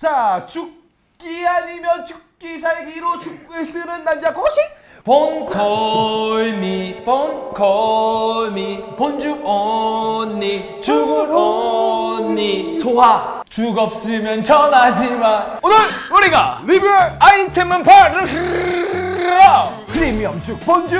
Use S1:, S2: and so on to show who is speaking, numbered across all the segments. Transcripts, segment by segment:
S1: 자, 죽기 아니면 죽기 살기로 죽을 쓰는 남자 고식.
S2: 본콜미 본죽 언니 죽을 언니 소화 죽 없으면 전하지마.
S1: 오늘
S2: 우리가
S1: 리뷰할
S2: 아이템은 바로
S1: 프리미엄 죽 본죽.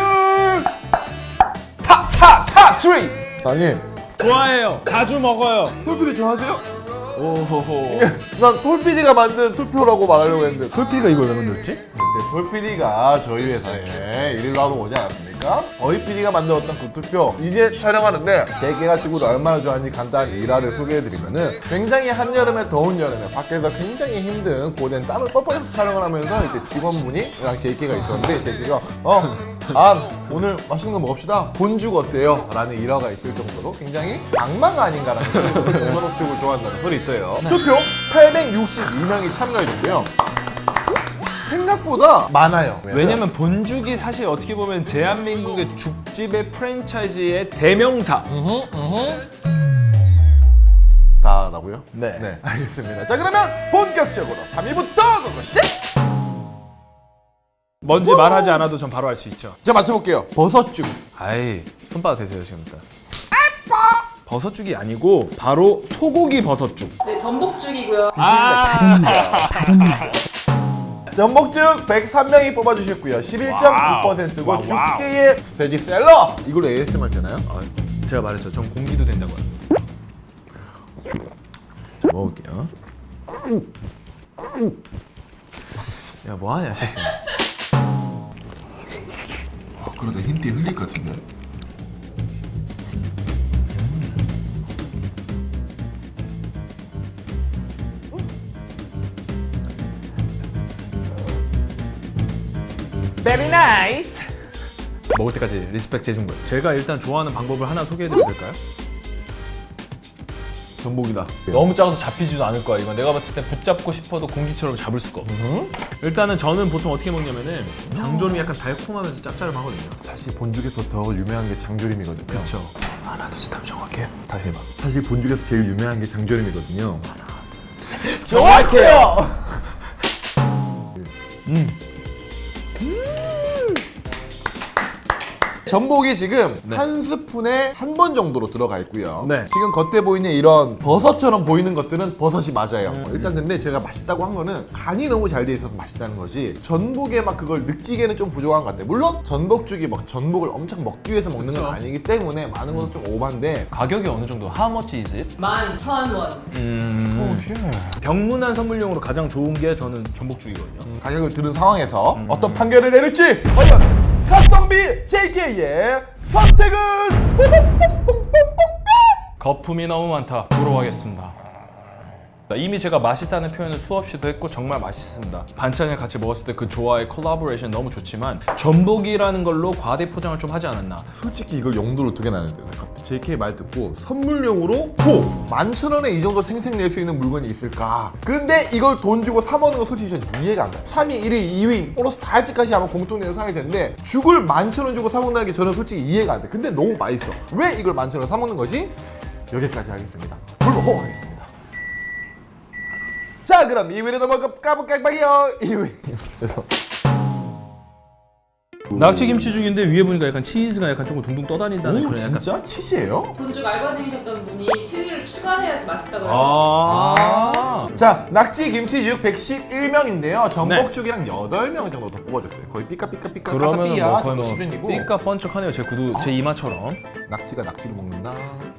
S2: 탑 3
S1: 아니,
S2: 좋아해요. 자주 먹어요.
S1: 톨피디 좋아하세요?
S2: 오호호.
S1: 난 톨피디가 만든 투표라고 말하려고 했는데
S2: 톨피가 이걸 왜 만들었지?
S1: 톨피디가 저희 회사에 일일로 하러 오지 않았습니까? 어이 PD가 만들었던 그 투표 이제 촬영하는데 제가 지구를 얼마나 좋아하는지 간단한 일화를 소개해드리면은 굉장히 한여름에 더운 여름에 밖에서 굉장히 힘든 고된 땀을 뻘뻘해서 촬영을 하면서 이제 직원분이랑 제이케가 있었는데 제이케가 오늘 맛있는 거 먹읍시다 본죽 어때요? 라는 일화가 있을 정도로 굉장히 악마가 아닌가라는 정도로 죽을 좋아한다는 소리 있어요. 투표 862명이 참가해줬고요. 생각보다 많아요.
S2: 왜냐면 본죽이 사실 어떻게 보면 대한민국의 죽집의 프랜차이즈의 대명사.
S1: 다라고요?
S2: 네.
S1: 네, 알겠습니다. 자, 그러면 본격적으로 3위부터 고고씨!
S2: 뭔지 말하지 않아도 전 바로 알 수 있죠.
S1: 자, 맞춰볼게요. 버섯죽.
S2: 아이, 손바닥 대세요 지금부터. 버섯죽이 아니고 바로 소고기 버섯죽.
S3: 네, 전복죽이고요.
S1: 전복죽 103명이 뽑아주셨고요. 11.9%고
S2: 와우.
S1: 죽게의 스테디셀러. 이걸로 ASMR 되나요?
S2: 제가 말했죠. 전 공기도 된다고요. 자, 먹을게요. 야, 뭐하냐 지금.
S1: 그러다 힌트에 흘릴 것 같은데.
S2: Very nice. 먹을 때까지 리스펙트 해준 거예요. 제가 일단 좋아하는 방법을 하나 소개해드려도 될까요?
S1: 전복이다.
S2: 너무 작아서 잡히지도 않을 거야. 이건 내가 봤을 때 붙잡고 싶어도 공기처럼 잡을 수가 없어. 일단은 저는 보통 어떻게 먹냐면은 장조림이 약간 달콤하면서 짭짤하거든요.
S1: 사실 본죽에서 더 유명한 게 장조림이거든요.
S2: 그렇죠. 하나 둘 셋 하면 정확해요. 다시 해봐.
S1: 사실 본죽에서 제일 유명한 게 장조림이거든요.
S2: 정확해요.
S1: 전복이 지금
S2: 네.
S1: 한 스푼에 한 번 정도로 들어가 있고요.
S2: 네.
S1: 지금 겉에 보이는 이런 버섯처럼 보이는 것들은 버섯이 맞아요. 일단 근데 제가 맛있다고 한 거는 간이 너무 잘 돼 있어서 맛있다는 거지 전복에 막 그걸 느끼기에는 좀 부족한 것 같아요. 물론 전복죽이 막 전복을 엄청 먹기 위해서 먹는 건
S2: 그쵸.
S1: 아니기 때문에 많은 것은 좀 오반데
S2: 가격이 어느 정도? How much is it?
S3: 11,000원.
S2: 병문안 선물용으로 가장 좋은 게 저는 전복죽이거든요.
S1: 가격을 들은 상황에서 어떤 판결을 내릴지 과연 가성비 JK의 선택은
S2: 거품이 너무 많다. 부러워하겠습니다. 이미 제가 맛있다는 표현을 수없이도 했고 정말 맛있습니다. 반찬을 같이 먹었을 때 그 조화의 콜라보레이션 너무 좋지만 전복이라는 걸로 과대 포장을 좀 하지 않았나.
S1: 솔직히 이걸 용도로 두 개 나눠야 될 것 같아. JK 말 듣고 선물용으로 11,000원에 이 정도 생색낼 수 있는 물건이 있을까? 근데 이걸 돈 주고 사 먹는 거 솔직히 전 이해가 안 가요. 3위, 1위, 2위 플러스 다 할 때까지 아마 공통된 상황이 텐데 죽을 11,000원 주고 사 먹는 게 저는 솔직히 이해가 안 돼. 근데 너무 맛있어. 왜 이걸 11,000원 사 먹는 거지? 여기까지 하겠습니다. 불호 하겠습니다. 자, 그럼 2위로 넘어가볼까요? 2위. 그래서
S2: 낙지 김치죽인데 위에 보니까 약간 치즈가 약간 조금 둥둥 떠다닌다는 그런 약간.
S1: 진짜? 치즈예요?
S3: 본죽 알바생이셨던 분이 치즈를 추가해야지 맛있다고 해서
S1: 자, 낙지 김치죽 111명인데요. 전복죽이랑 8명 정도 더 뽑아줬어요. 거의 삐까삐까삐까
S2: 그러면은
S1: 까따삐야
S2: 뭐 거의
S1: 정도
S2: 뭐
S1: 수준이고.
S2: 삐까 번쩍하네요. 제 구두, 제 이마처럼.
S1: 낙지가 낙지를 먹는다.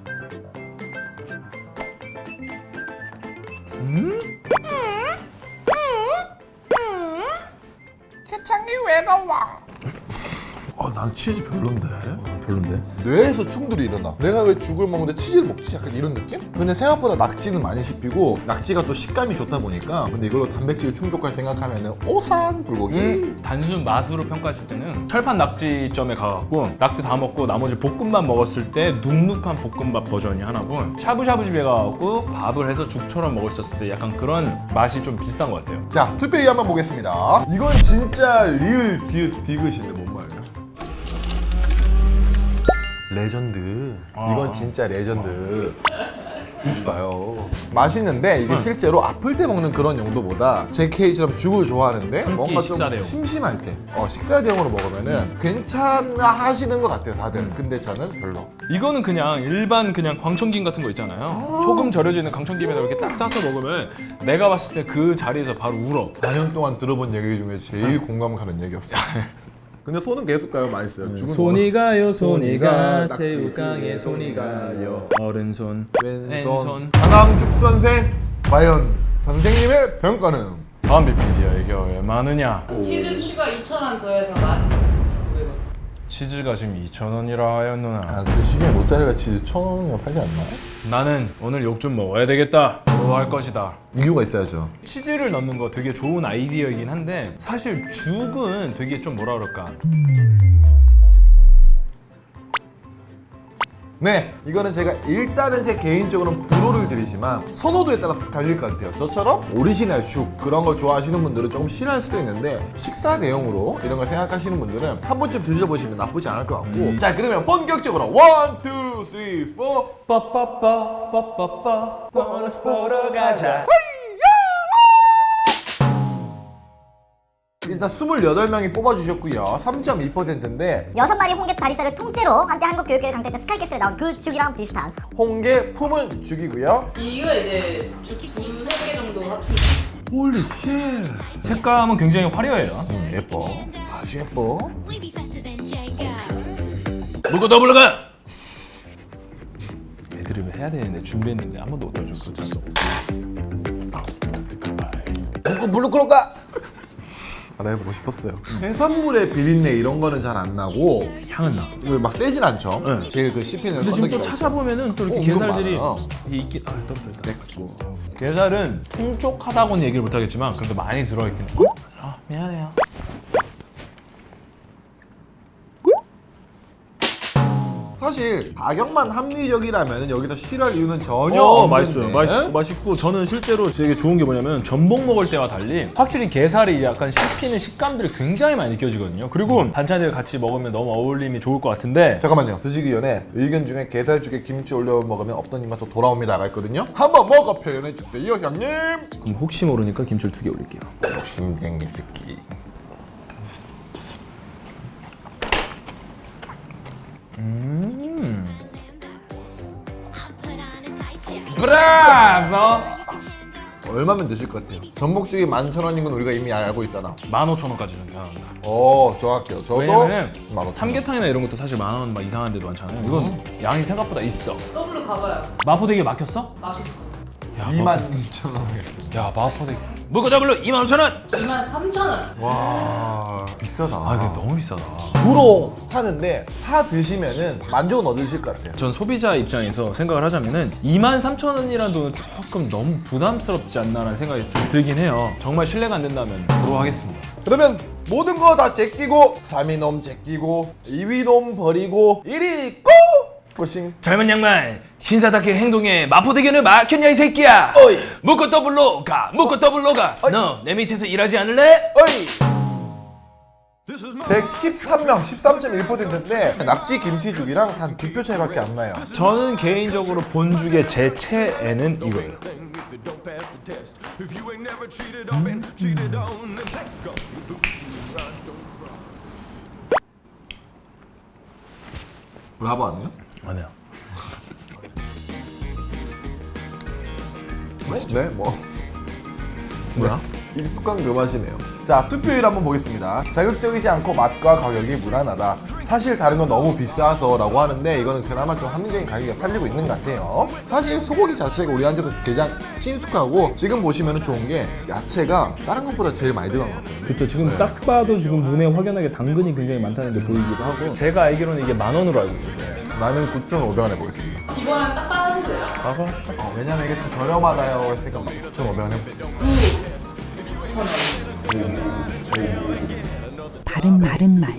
S1: 세상이 외로워. 난 치즈 별론데.
S2: 별론데.
S1: 뇌에서 충돌이 일어나. 내가 왜 죽을 먹는데 치즈를 먹지? 약간 이런 느낌? 근데 생각보다 낙지는 많이 씹히고 낙지가 또 식감이 좋다 보니까 근데 이걸로 단백질 충족할 생각하면은 오산 불고기.
S2: 단순 맛으로 평가했을 때는 철판 낙지점에 가갖고 낙지 다 먹고 나머지 볶음밥 먹었을 때 눅눅한 볶음밥 버전이 하나고 샤브샤브 집에 가갖고 밥을 해서 죽처럼 먹을 수 있었을 때 약간 그런 맛이 좀 비슷한 것 같아요.
S1: 자, 투표위 한번 보겠습니다. 이건 진짜 리을 지읒 디귿인데 뭔 말이야? 레전드. 이건 진짜 레전드. 그러니까요. 맛있는데 이게 실제로 아플 때 먹는 그런 용도보다 JK처럼 죽을 좋아하는데 뭔가 좀
S2: 식사 대용.
S1: 심심할 때 식사 대용으로 먹으면은 괜찮아 하시는 것 같아요 다들. 근데 저는 별로.
S2: 이거는 그냥 일반 그냥 광천김 같은 거 있잖아요. 소금 절여져 있는 광천김에다 이렇게 딱 싸서 먹으면 내가 봤을 때 그 자리에서 바로 울어.
S1: 4년 동안 들어본 얘기 중에 제일 공감 가는 얘기였어요. 근데 손은 계속 가요. 맛있어요. 죽은
S2: 손이 가요 손이 가
S1: 낙지
S2: 새우깡에 손이 가요 어른손
S1: 왼손 강남죽 선생 과연 선생님의 평가는?
S2: 다음 비피디야 이게 얼마느냐.
S3: 치즈 추가 2,000원 더해서 12,900원.
S2: 치즈가 지금 2,000원이라 하였노나.
S1: 그 시중에 모짜렐라 치즈 1,000원이면 팔지 않나?
S2: 나는 오늘 욕 좀 먹어야 되겠다. 할 것이다.
S1: 이유가 있어야죠.
S2: 치즈를 넣는 거 되게 좋은 아이디어이긴 한데 사실 죽은 되게 좀 뭐라 그럴까.
S1: 네, 이거는 제가 일단은 제 개인적으로는 불호를 드리지만 선호도에 따라서 갈릴 것 같아요. 저처럼 오리지널 죽 그런 걸 좋아하시는 분들은 조금 싫어할 수도 있는데 식사 대용으로 이런 걸 생각하시는 분들은 한 번쯤 드셔보시면 나쁘지 않을 것 같고 자 그러면 본격적으로 1, 2, 3, 4
S2: 빠빠빠 보너스 보러 가자.
S1: 일단 28명이 뽑아주셨고요. 3.2%인데
S4: 6마리 홍게 다리살을 통째로 한때 한국교육계를 강타했던 스카이캐슬에 나온 그 죽이랑 비슷한
S1: 홍게 품은 죽이고요.
S3: 이거 이제 죽 2-3개 정도 합친
S1: 홀리 쉣.
S2: 색감은 굉장히 화려해요.
S1: 예뻐. 아주 예뻐.
S2: 물고 더블로 가. 애드립을 해야 되는데 준비했는데 한 번도 못해줘. 어쩔 수 없어.
S1: 먹고 물로 끌어가. 나 해보고 싶었어요. 해산물의 비린내 이런 거는 잘 안 나고
S2: 향은 나.
S1: 막 세진 않죠.
S2: 네.
S1: 제일 그 씹히는
S2: 근데 지금 또
S1: 건더기가
S2: 찾아보면은 또 이렇게
S1: 은근
S2: 게살들이
S1: 많아요.
S2: 이게 있긴 떨어졌다.
S1: 있고.
S2: 게살은 풍족하다고는 얘기를 못하겠지만 그래도 많이 들어있긴 해. 미안해요.
S1: 사실 가격만 합리적이라면 여기서 싫어할 이유는 전혀 없는데
S2: 맛있어요. 맛있고 저는 실제로 되게 좋은 게 뭐냐면 전복 먹을 때와 달리 확실히 게살이 이제 약간 씹히는 식감들이 굉장히 많이 느껴지거든요. 그리고 반찬들 같이 먹으면 너무 어울림이 좋을 것 같은데
S1: 잠깐만요. 드시기 전에 의견 중에 게살죽에 김치 올려 먹으면 없던 입맛도 돌아옵니다가 있거든요. 한번 먹어 표현해 주세요, 형님.
S2: 그럼 혹시 모르니까 김치를 2개 올릴게요.
S1: 욕심쟁이 새끼.
S2: 브라보!
S1: 얼마면 드실 것 같아요? 전복죽이 11,000원인 건 우리가 이미 알고 있잖아.
S2: 15,000원까지는 가능합니다.
S1: 정확해요. 저도
S2: 왜냐면은
S1: 15,000원.
S2: 삼계탕이나 이런 것도 사실 10,000원 막 이상한 데도 많잖아요. 이건 양이 생각보다 있어.
S3: 더블로 가봐요.
S2: 마포대교 막혔어?
S3: 맛있어.
S2: 야,
S1: 22,000원.
S2: 야 마포대교 물고 더블로 25,000원!
S3: 23,000원.
S1: 와 비싸다.
S2: 아 이게 너무 비싸다.
S1: 구로 사는데 사 드시면은 만족은 얻으실 것 같아요.
S2: 전 소비자 입장에서 생각을 하자면은 23,000원이라는 돈은 조금 너무 부담스럽지 않나라는 생각이 좀 들긴 해요. 정말 신뢰가 안 된다면 보러 하겠습니다.
S1: 그러면 모든 거 다 제끼고 3위 놈 제끼고 2위 놈 버리고 1위 고! 고싱.
S2: 젊은 양말 신사답게 행동해. 마포대교는 막혔냐 이 새끼야.
S1: 어이.
S2: 묶어 더블로 가. 묶어 더블로 가.
S1: 어이.
S2: 너 내 밑에서 일하지 않을래?
S1: 어이! 113명 13.1%인데 낙지 김치죽이랑 단 2표 차이밖에 안 나요.
S2: 저는 개인적으로 본죽의 제 최애는 이거예요.
S1: 브라보 아니에요?
S2: 아니야.
S1: 네? 뭐
S2: 뭐야?
S1: 익숙한 그 맛이네요. 자, 투표율 한번 보겠습니다. 자극적이지 않고 맛과 가격이 무난하다. 사실 다른 건 너무 비싸서 라고 하는데 이거는 그나마 좀 합리적인 가격에 팔리고 있는 것 같아요. 사실 소고기 자체가 우리한테도 가장 친숙하고 지금 보시면 좋은 게 야채가 다른 것보다 제일 많이 들어간 것 같아요.
S2: 그쵸. 지금 딱 봐도 지금 눈에 확연하게 당근이 굉장히 많다는 게 보이기도 하고 제가 알기로는 이게 10,000원으로 알고 있어요.
S1: 나는 9,500원 해보겠습니다.
S3: 이거랑 딱 따라하면 돼요.
S1: 왜냐면 이게 좀 저렴하다요 했으니까 9,500원 해볼게요.
S5: 바른 마른 말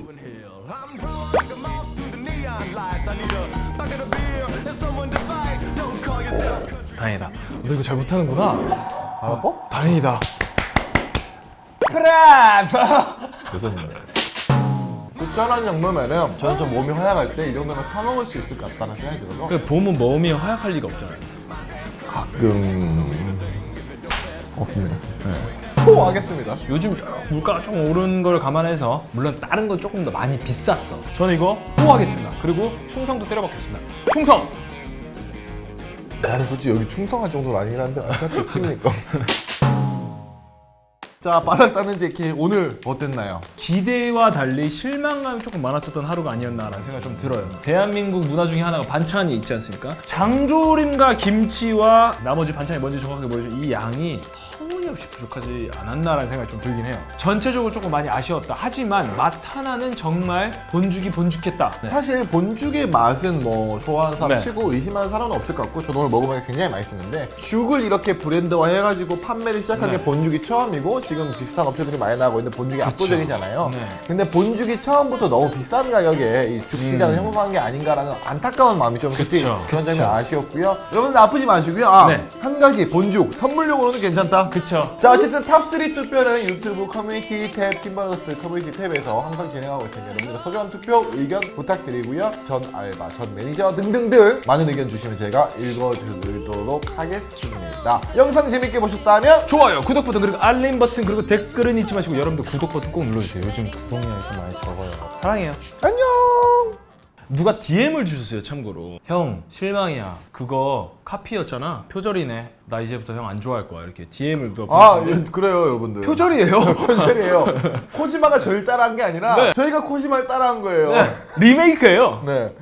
S2: 다행이다. 너 이거 잘 못하는구나.
S1: 알아봐?
S2: 다행이다. 브라보!
S1: 죄송합니다. 9,000원 정도면은 저는 좀 몸이 허약할 때 이 정도면 사 먹을 수 있을 것 같다는 생각이 들어서
S2: 그 봄은 몸이 허약할 리가 없잖아요.
S1: 가끔 없네. 호 하겠습니다.
S2: 요즘 물가가 좀 오른 걸 감안해서 물론 다른 건 조금 더 많이 비쌌어. 저는 이거 호하겠습니다. 그리고 충성도 때려박겠습니다. 충성!
S1: 나는 솔직히 여기 충성할 정도는 아니긴 한데 어차피 팀이니까. 자, 바닥 따는 제키 오늘 어땠나요?
S2: 기대와 달리 실망감이 조금 많았었던 하루가 아니었나라는 생각이 좀 들어요. 대한민국 문화 중에 하나가 반찬이 있지 않습니까? 장조림과 김치와 나머지 반찬이 뭔지 정확하게 모르지만 이 양이 터무니없이 부족하지 않았나라는 생각이 좀 들긴 해요. 전체적으로 조금 많이 아쉬웠다. 하지만 맛 하나는 정말 본죽이 본죽했다. 네.
S1: 사실 본죽의 맛은 뭐 좋아하는 사람
S2: 네.
S1: 치고 의심하는 사람은 없을 것 같고 저도 오늘 먹어보니까 굉장히 맛있었는데 죽을 이렇게 브랜드화 해가지고 판매를 시작한 게
S2: 네.
S1: 본죽이 처음이고 지금 비슷한 업체들이 많이 나오고 있는데 본죽이 압도적이잖아요.
S2: 네.
S1: 근데 본죽이 처음부터 너무 비싼 가격에 이 죽시장을 형성한 게 아닌가라는 안타까운 마음이 좀
S2: 그쵸.
S1: 그런 점이 아쉬웠고요. 여러분들 아프지 마시고요. 아,
S2: 네.
S1: 한 가지 본죽 선물용으로는 괜찮다.
S2: 그쵸.
S1: 자, 어쨌든 탑3 투표는 유튜브 커뮤니티 탭, 팀버거스 커뮤니티 탭에서 항상 진행하고 있으니까 여러분들 소중한 투표, 의견 부탁드리고요. 전 알바, 전 매니저 등등등 많은 의견 주시면 제가 읽어드리도록 하겠습니다. 영상 재밌게 보셨다면
S2: 좋아요, 구독 버튼, 그리고 알림 버튼, 그리고 댓글은 잊지 마시고 여러분들 구독 버튼 꼭 눌러주세요. 요즘 구독량이 좀 많이 적어요. 사랑해요.
S1: 안녕!
S2: 누가 DM을 주셨어요. 참고로 형 실망이야, 그거 카피였잖아, 표절이네, 나 이제부터 형 안 좋아할 거야, 이렇게 DM을 누가
S1: 아,
S2: 보냈는데
S1: 그래요, 여러분들.
S2: 표절이에요.
S1: 표절이에요. 코시마가 저를 따라한 게 아니라
S2: 네.
S1: 저희가 코시마를 따라한 거예요.
S2: 네, 리메이크예요.
S1: 네.